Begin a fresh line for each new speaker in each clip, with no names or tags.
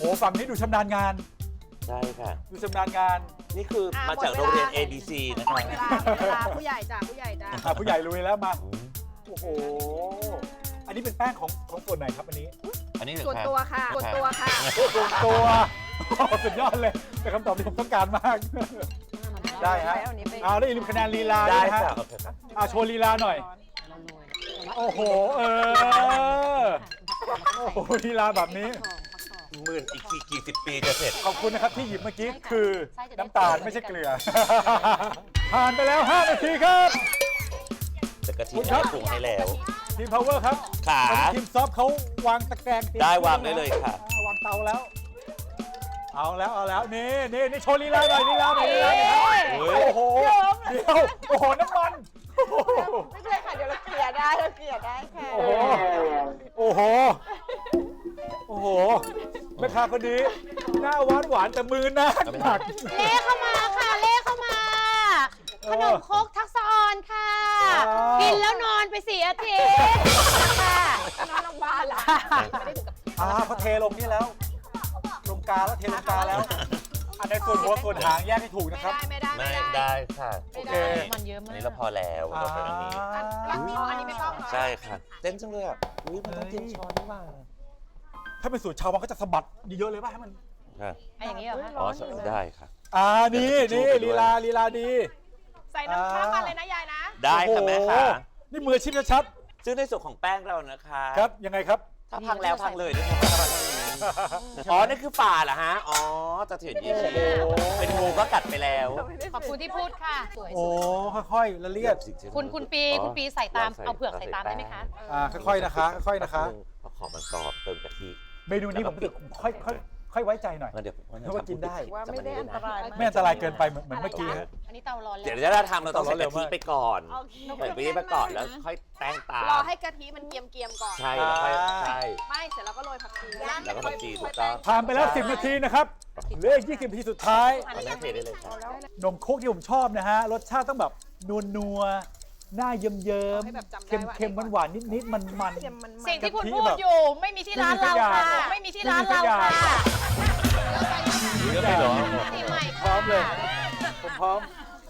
ฝั่งนี้ดูชำนาญงาน
ใช่ค่ะ
ดูชำนาญงาน
นี่คือมาจากโรงเรียน ABC นะคะ
เวลาผู้ใหญ่จ้ะผู้ใหญ่จ้ะ
ผู้ใหญ่ลุยแล้วมา โอ้โห อันนี้เป็นแป้งของส่วนไหนครับอันนี้
อันนี้เหรอ
ส่วน
คะ
ตัวค่ะส่วนตัวค่ะ
ส่วนตัวสุดยอดเลยเป็นคำตอบที่ผมต้องการมาก ได้ฮะเอาได้วอย่าลืมคะแนนลีลาด้
ได้
วยนะฮะ
ค่ะโอเคครับ
โชว์ลีลาหน่อย โอ้โห โอ้โหลีลาแบบนี้
หมื่นอีกกี่สิบปีจะเสร็จ
ขอบคุณนะครับที่หยิบเมื่อกี้คือน้ำตาลไม่ใช่เกลือ ผ่านไปแล้ว 5 นาทีครับ
แต่กะทิ
คุณครับ
ปรุงให้แล้ว
ทีม power ครับ
ขา
ทีมซอฟเขาวางตะแกรงเตรียม
ได้วางได้เลยค่ะ
วางเตาแล้ว เอาแล้วนี่โชว์ลีลาหน่อยลีลาหน่อยครับโอ้โหเดี๋ยวโอ้โหน้ำมัน
ไม่เป็นไรค่ะเดี๋ยวเราเกลี่ยได้ค่ะ
โอ้โหแม่ค้าคนนี้หน้าหวานแต่มือหนัก
เล่เข้ามาค่ะเล่เข้ามา ขนมครกทักษะออนค่ะ กินแล้วนอนไป4 อาทิตย์ค่ะ
นอนโรงพยาบาลล่ะไม่ได้ถึงกับ
เขาเทลงนี่แล้วลงกาแล้วเทลงกาแล้ว อันในส่วนหัวส่วนหางแยกให้ถูกนะครับ
ไม่ได้
ไม่ได้ค่ะ
โอเค
มันเยอะ
อั
มาน ก
นี้เราพอแล้วเราไปอันนี้
อันนี้ไม่ต้องเหรอ
ใช่ค่ะ เต้นจังเลยอ่ะอุ้ยมันต้องเตรียมช้อนนี่หว่า
ถ้าเป็นสูตรชาววังก็จะสะบัดเยอะๆเลยป่ะให้มัน
ค่ะ
ไอ้อย่างนี้เหรอคะ
อ๋อได้ค่ะ
นี่ลีลาดี
ใส่น้ำมันเลยนะยายนะ
ได้ค่ะแม่ค่ะ
โอ้โหนี่มืออาชีพชัด
ซึ่งในส่วนของแป้งเรานะคะ
ๆครับยังไงครับ
ถ้าพังแล้วพังเลยด้วยอ๋อนี่คือฝ่าเหรอฮะอ๋อจะเถียนยี่สิบเป็นงูก็กัดไปแล้ว
ขอบคุณที่พูดค่ะสวย
โอ้ค่อยๆละเลียด
คุณปีใส่ตามเอาเผือกใส่ตามได้ไหมคะ
ค่อยๆนะคะค่อยๆนะคะ
พอขอมันกรอบเติมกะทิ
เมนูนี้ผมรู้สึกค่อยไว้ใจหน่อย
เดี๋ยว
เพราะว่ากินได้
ว่าไม่ได้อันตราย
ไม่อันตรายเกินไปเหมือนเมื่อกี้ฮะ
อันนี้เตาร้อนเลย
เดี๋ยวถ้าทำเราต้องใส่กะทิไปก่อนใส่กะทิไปก่อนแล้วค่อยแป้งตาม
รอให้กะทิมันเกียมก่อน
ใช่แล้วค่อยใช่
ไม่เสร็จแล้วก็โรยผักชี
แล้วก็ผักชีถูกต้อง
ผ่านไปแล้ว 10 นาทีนะครับเหลืออีก20 นาทีสุดท้าย
เอาแม่เทได้เลยครับ
นมโคกที่ผมชอบนะฮะ รสชาติต้องแบบนัวๆหน้าเยิ้มๆเค็มๆหวานๆนิดๆมัน
สิ่งที่คุณพูดอยู่ไม่มีที่ร้านเราค่ะ ไม่มีที่ร้านเราค่ะ
เยอะไปเหรอ
สีใหม่
ๆพร้อมเลย ผมพร้อม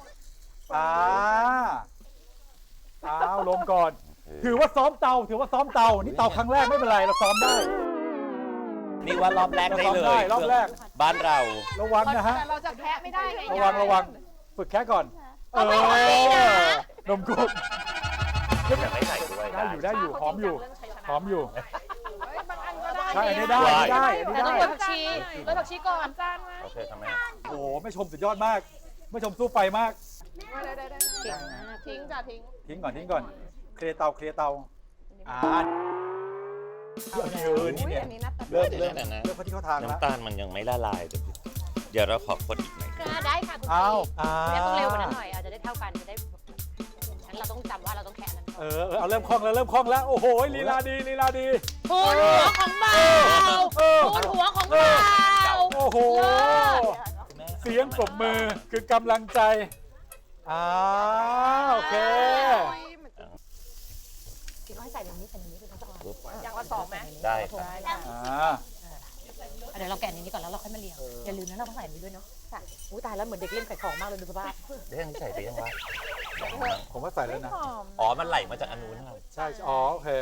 ลงก่อน ถือว่าซ้อมเตานี่เตาครั้งแรกไม่เป็นไรเราซ้อมได้
นี่ว่ารอบแรกได้เลย
รอบแรก
บ้านเรา
ระวังนะฮะ
แต่เราจะแคะไม่ได้ไง
ระวังฝึกแค่ก่อนนมโคก
อยากให้ใส่ด้วย
ได้อยู่หอมอยู่
บางอันก็ได้
ใช่อันนี้ได้
แต่ต้องโรยผักชีก่อน
โอเคครับแม่
โอ้โหไม่ชมสุดยอดมากไม่ชมสู้ไฟมาก
ได้ทิ้งจ้ะทิ้ง
ทิ้งก่อนเคลียร์เตานี่เนี่ย
อันนี้น่า
เริ่ม
เดี๋ยวนะ
เข้าที่เข้าทางแล้ว
น้ำตาลมันยังไม่ละลายเดี๋ยวเราขอคนอีกหน่อย
ได้ค่ะคุณ
อ้าว
พี่ต้องเร็วกว่านั้นหน่อยอาจจะได้เท่ากันจะได้งั้นเราต้องจำว่าเราต้องแค่นั้น
เอาเริ่มคล่องแล้วโอ้โหลีลาดี
ทูนหัวของเบาทูนหัวของเบา
โอ้โหเสียงปรบมือคือกำลังใจโอเค
พี่ก็ให้ใส่ตรงนี้คือต้อง
อย่างละ2ไหม
ได้ครับ
เดี๋ยวเราแกะนี้ก่อนแล้วเราค่อยมาเรียงอย่าลืมนะเราต้องใส่นี้ด้วยเนาะค่ะอุ้ยตายแล้วเหมือนเด็กเล่นไข่ของมากเลยดูสภาพ
ได้ยังใส่ไปยังวะ
ผมว่าใส่แล้วนะ
อ๋อมันไหลมาจากอันนู้นครับ
ใช่โอเค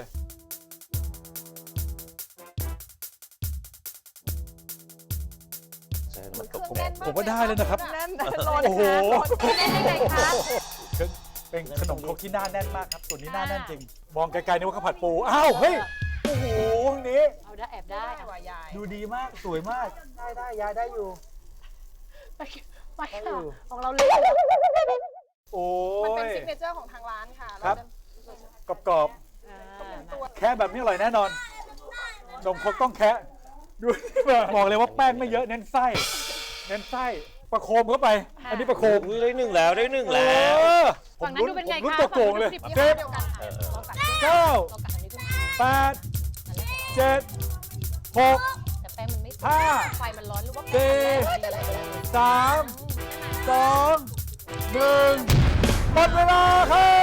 ใช่มันตก
ผมว่าได้เลยนะครับ
แน่น
โอ้โห
เล่นได้ไงคะ
เป็นขนมครกที่หน้าแน่นมากครับส่วนนี้หน้าแน่นจริง มองไกลๆนึกว่าข้าวผัดปูอ้าวเฮ้ยโอ้โหนี้
เอาได้แอบได้
ว่ายาย
ดูดีมากสวยมากได้ยายได้อยู่
ไปค่ะของเราเล่น
โอ้
มันเป็น
ย
ซิกเนเจอร์ของทางร้านค่ะ
ครับ กรอบๆแค่แบบนี้อร่อยแน่นอนนมครกต้องแคะดูบอกเลยว่าแป้งไม่เยอะเน้นไส้ประโคมเข้าไป อันนี้ประโคม
ได้หนึ่งแล้ว
ผม
ฝั่งนั้นดูเป็นไง
ลุ้น
คะ
ตัวโกงเลย
10
10
เดียวกัน
9
เรากัดอันนี้ขึ้นมา
8 7 6
แต่แป้งมันไม่
5
ไฟมันร้อนหรือว่า
3 2 1หมดเวลาครับ